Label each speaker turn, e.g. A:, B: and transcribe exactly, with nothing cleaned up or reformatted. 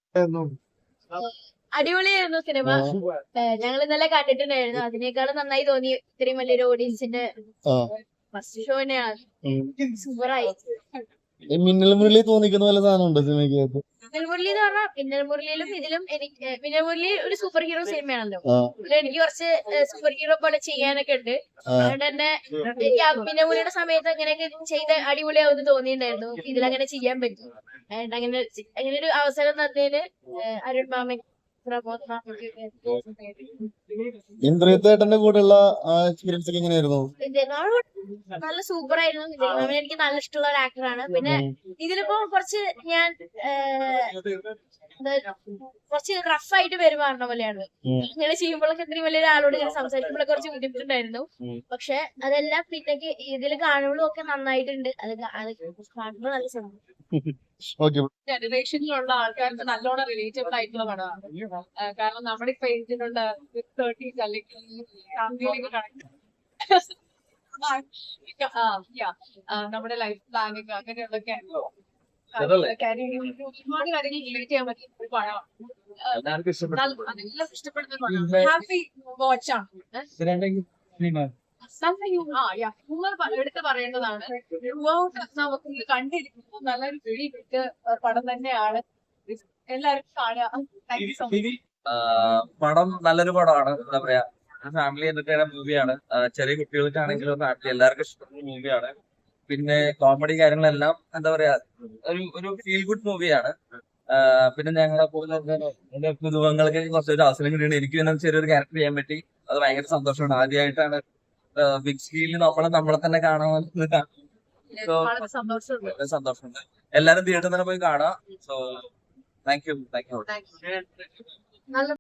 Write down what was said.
A: അടിപൊളിയായിരുന്നു സിനിമ. ഞങ്ങൾ ഇന്നലെ കണ്ടിട്ടുണ്ടായിരുന്നു. അതിനേക്കാളും നന്നായി തോന്നി ഇത്രയും വലിയൊരു ഓഡിയൻസിന്റെ ഫസ്റ്റ് ഷോ തന്നെയാണ്. സൂപ്പറായി.
B: മിന്നൽ മുരളി തോന്നിക്കുന്ന പോലെ സാധനം ഉണ്ട് സിനിമയ്ക്കകത്ത്.
A: മിന്നൽ മുരളി എന്ന് പറഞ്ഞാൽ മിന്നൽ മുരളിയിലും ഇതിലും എനിക്ക് മിന്നൽ മുരളി ഒരു സൂപ്പർ ഹീറോ സിനിമയാണല്ലോ. അതിൽ എനിക്ക് കുറച്ച് സൂപ്പർ ഹീറോ പോലെ ചെയ്യാനൊക്കെ ഉണ്ട്. അതുകൊണ്ട് തന്നെ എനിക്ക് മിന്നൽ മുരളിയുടെ സമയത്ത് അങ്ങനെയൊക്കെ ചെയ്ത് അടിപൊളിയാവുമെന്ന് തോന്നിയിട്ടുണ്ടായിരുന്നു. ഇതിലങ്ങനെ ചെയ്യാൻ പറ്റും. അങ്ങനെ അങ്ങനെ ഒരു അവസരം തന്നതിന് അരുൺ മാമൻ
B: ഇന്ദ്രിയത്തേട്ടന്റെ കൂടെയുള്ള എക്സ്പീരിയൻസ് ഒക്കെ എങ്ങനെയായിരുന്നു?
A: നല്ല സൂപ്പർ ആയിരുന്നു. വിജയ് എനിക്ക് നല്ല ഇഷ്ടമുള്ള ഒരു ആക്ടറാണ്. പിന്നെ ഇതിലിപ്പോ കുറച്ച് ഞാൻ കുറച്ച് റഫായിട്ട് പെരുമാറുന്ന പോലെയാണ്. ഇങ്ങനെ ചെയ്യുമ്പോഴൊക്കെ ഇത്രയും വലിയ ഒരാളോട് ഇങ്ങനെ സംസാരിക്കുമ്പോഴൊക്കെ കുറച്ച് ബുദ്ധിമുട്ടുണ്ടായിരുന്നു. പക്ഷെ അതെല്ലാം പിന്നേക്ക് ഇതിൽ കാണുമ്പോഴും ഒക്കെ നന്നായിട്ടുണ്ട്. അത് കാണുമ്പോൾ നല്ല സമയം.
C: ജനറേഷനിലുള്ള ആൾക്കാർക്ക് നല്ലോണം റിലേറ്റബിൾ ആയിട്ടുള്ള പടമാണ്. കാരണം നമ്മുടെ ഇപ്പൊ ഏജിലുള്ള തേർട്ടീസ് അല്ലെങ്കിൽ ഫാമിലിയിലേക്ക് കണക്ട് നമ്മുടെ ലൈഫ് പ്ലാനിങ് അങ്ങനെയുള്ളൊക്കെ ഒരുപാട് കാര്യങ്ങൾ റിലേറ്റ് ചെയ്യാൻ പറ്റുന്ന ഒരു പടമാണ്. അതെല്ലാം ഇഷ്ടപ്പെടുന്ന പടമാണ്. ഹാപ്പി വാച്ചാണ്. എടുത്ത് പറയേണ്ടതാണ്. നമുക്ക് കണ്ടിരിക്കുന്നു നല്ലൊരു പിടി കിട്ട് പടം തന്നെയാണ്. എല്ലാവരും കാണുക. Thank you so much.
D: പടം നല്ലൊരു പടമാണ്. എന്താ പറയാ, ഫാമിലി എന്റർടൈനർ മൂവിയാണ്. ചെറിയ കുട്ടികൾക്കാണെങ്കിലും ഫാമിലി എല്ലാവർക്കും ഇഷ്ടപ്പെടുന്ന മൂവിയാണ്. പിന്നെ കോമഡി കാര്യങ്ങളെല്ലാം എന്താ പറയാ ഒരു ഒരു ഫീൽ ഗുഡ് മൂവിയാണ്. പിന്നെ ഞങ്ങളെ പോലെ പുതുമുഖങ്ങൾക്ക് കുറച്ചൊരു അവസരം കിട്ടിയാണ്. എനിക്ക് പിന്നെ ചെറിയൊരു ക്യാരക്ടർ ചെയ്യാൻ പറ്റി. അത് ഭയങ്കര സന്തോഷമാണ്. ആദ്യമായിട്ടാണ് ബിഗ് സ്ക്രീനിൽ നമ്മളെ നമ്മളെ തന്നെ കാണാമെന്ന് സന്തോഷമുണ്ട്. എല്ലാരും തിയേറ്ററിൽ തന്നെ പോയി കാണാം. So thank you thank U.